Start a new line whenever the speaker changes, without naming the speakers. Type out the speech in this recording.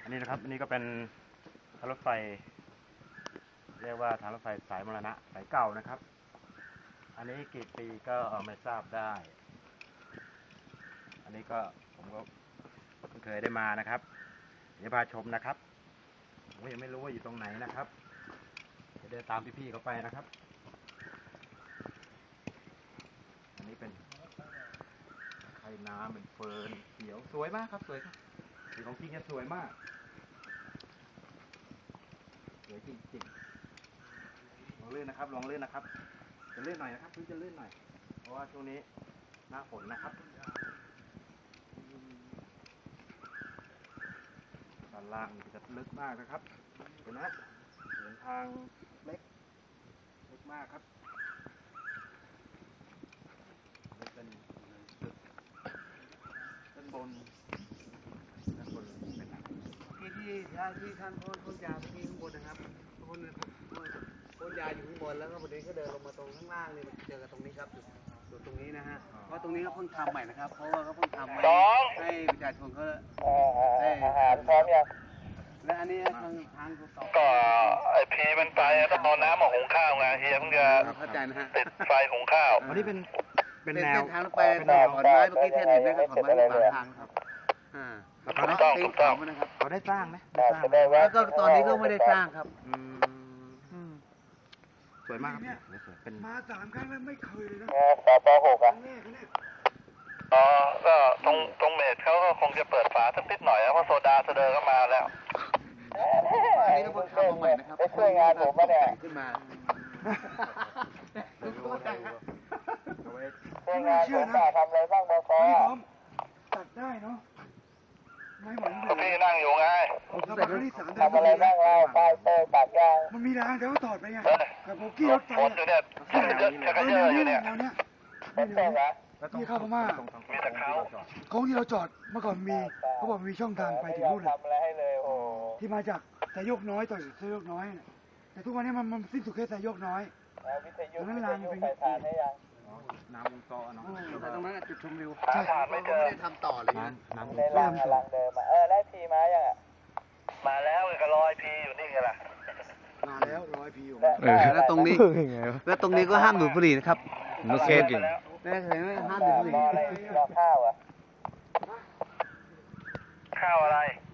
นี่นะครับอันนี้ก็เป็นทางรถไฟเรียกว่าทางรถไฟสายมรณะสายเก่านะครับ อันนี้กี่ปีก็ไม่ทราบได้ อันนี้ก็ผมก็เคยได้มานะครับเดี๋ยวพาชมนะครับผมยังไม่รู้ว่าอยู่ตรงไหนนะครับจะเดินตามพี่ๆเขาไปนะครับอันนี้เป็นไข่น้ำเป็นเฟิร์นเขียวสวยมากครับสวยครับสีของจริงจะสวยมากสวยจริงๆลองเลื่อนนะครับลองเลื่อนนะครับจะเลื่อนหน่อยนะครับจะเลื่อนหน่อยเพราะว่าช่วงนี้หน้าฝนนะครับด้านล่างจะลึกมากนะครับเห็นไหมเห็นทางเล็กมากครับเป็นด้านบนเป็นอะไร
ที่ท่านพ่นยาที่ข้างบนนะครับพ่นยาอยู่ข้างบนแล้วก็พอดีก็เดินลงมาตรงข้างล่างนี่มาเจอกับตรงนี้ครับจุดตรงนี้นะฮะเพราะตรงนี้ก็เพิ่งทำใหม่นะครับเพราะว่าเขาเพิ่งทำให้ประชาชนเขาได้พร้อมยังและอันนี้ทางต่อ
ก็ไอพีมันไปต้องเอาน้ำมาหุงข้าวไงเฮียเพิ่งจะติดไฟหุงข้าว
อันนี้เป็นแนว
ทางรถไฟถอนไม้เมื่อกี้เท่านเห็นไหมครับถอนไม้บางทางครับ
ถูกต้อง
นะครับ
เขาได้สร้างไหม
แล้วก็ตอนนี้ก็ไม่ได้สร้างครับ
สวยมากครับเป็น
มา3 ครั้งแล้วไม่เคยเลยนะ
ป.6อ่ะ
แรกเนี่ย
อ๋อก็ตรงเมดเขาก็คงจะเปิดฝาสักนิดหน่อยเพราะโซดาเสดอก็มาแล้ว
อันนี้ก็เพิ่งทำมาใหม่นะครับ
ไปช่วยงานผมมาเนี่ย
ขึ้นมา
ช่วยงานผมมาทำอะไรบ้างบค.
ตัดได้เนาะไม่ไหวเลย
พี่นั่งอยู่ไง
เรามาครั้งที่3
ทำอะไรบ้างเราป้ายเตยตัดยาง
มันมีรางแต่ว่าถอดไปไงกับโบกี้รถไฟ
ฝนอยู่เนี่ยชักกระเยอะอยู่เนี่ย
นี่เข้าพม่า
มีแต่เขา
โค้งที่เราจอดเมื่อก่อนมีเขาบอกมีช่องทางไปถึงนู่นเลยที่มาจากสายโยกน้อยต่อสายโยกน้อยแต่ทุกวันนี้มันสิ้นสุดแค่สายโยกน้อยตรงนั้นรางมันเป็น
น้ำวงจรเนาะ
แต่ตรงนั้นจุดชมวิว
ใช่
ไม่ได้ทำต่อเลย
น้ำวง
จรลังเดิมได้พีมายังอ่ะมาแล้วก็รอยพีอยู่นี่ไงล่ะ
มาแล้ว100 พีอยู่
แล้วตรงนี้ก็ห้ามดูดบุหรี่นะครับ
โอเคจริง
ได้เห็นไหมห้ามดูดบุหรี่
รอข้าวอ่ะข้าวอะไร